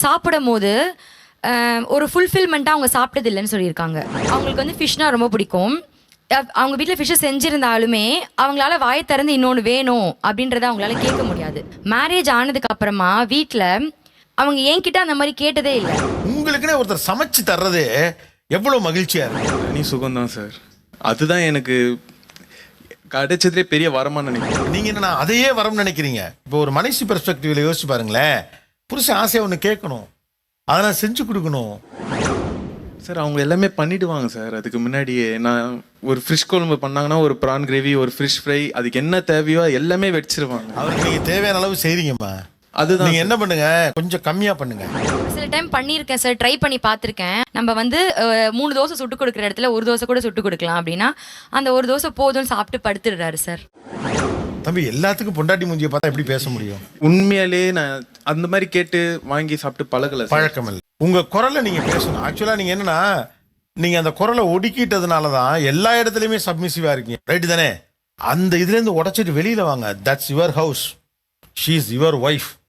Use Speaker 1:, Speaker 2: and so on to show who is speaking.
Speaker 1: சாப்பிடும்போது ஒரு ஃபுல்ஃபில்மெண்ட்டாக அவங்க சாப்பிட்டது இல்லைன்னு சொல்லியிருக்காங்க. அவங்களுக்கு வந்து ஃபிஷ்னா ரொம்ப பிடிக்கும். அவங்க வீட்டில் ஃபிஷ்ஷை செஞ்சுருந்தாலுமே அவங்களால வாயை திறந்து இன்னொன்று வேணும் அப்படின்றத அவங்களால கேட்க முடியாது. மேரேஜ் ஆனதுக்கு அப்புறமா வீட்டில் அவங்க என்கிட்ட அந்த மாதிரி கேட்டதே இல்லை.
Speaker 2: உங்களுக்குன்னே ஒருத்தர் சமைச்சு தர்றதே எவ்வளோ மகிழ்ச்சியா இருக்கு.
Speaker 3: தனி சுகம்தான் சார். அதுதான் எனக்கு கிடைச்சதுலே பெரிய வரமா நினைக்கிறேன்.
Speaker 2: நீங்க என்ன அதையே வரம்னு நினைக்கிறீங்க? இப்போ ஒரு மனுஷி பெர்ஸ்பெக்டிவ்ல யோசிச்சு பாருங்களேன். புருஷன் ஆசையா ஒன்று கேட்கணும், அதெல்லாம் செஞ்சு கொடுக்கணும்.
Speaker 3: சார் அவங்க எல்லாமே பண்ணிடுவாங்க சார். அதுக்கு முன்னாடியே நான் ஒரு ஃபிஷ் குழம்பு பண்ணாங்கன்னா ஒரு ப்ரான் கிரேவி, ஒரு ஃபிஷ் ஃப்ரை, அதுக்கு என்ன தேவையோ எல்லாமே வச்சிருவாங்க.
Speaker 2: அவருக்கு நீங்க தேவையான அளவு செய்றீங்கம்மா.
Speaker 3: அதுதான்
Speaker 2: நீங்க என்ன பண்ணுங்க, கொஞ்சம் கம்மியா பண்ணுங்க.
Speaker 1: சில டைம் பண்ணியிருக்கேன் சார், ட்ரை பண்ணி பார்த்துருக்கேன். நம்ம வந்து 3 தோசை சுட்டு கொடுக்குற இடத்துல 1 தோசை கூட சுட்டு கொடுக்கலாம் அப்படின்னா அந்த 1 தோசை போதும்னு சாப்பிட்டு படுத்துடுறாரு சார்.
Speaker 2: தம்பி, எல்லாத்துக்கும் பொண்டாட்டி மூஞ்சியை பார்த்தா எப்படி பேச முடியும்?
Speaker 3: உண்மையாலே நான் அந்த மாதிரி கேட்டு வாங்கி சாப்பிட்டு பழகல சார்.
Speaker 2: பழக்கம் இல்லை. உங்க குரலை நீங்க பேசணும். ஆக்சுவலா நீங்க என்னன்னா, நீங்க அந்த குரலை ஒடுக்கிட்டதுனால தான் எல்லா இடத்துலயுமே சப்மிசிவா இருக்கீங்க. ரைட் தானே? அந்த இதுல இருந்து உடைச்சிட்டு வெளியில வாங்க. That's your house, she is your wife.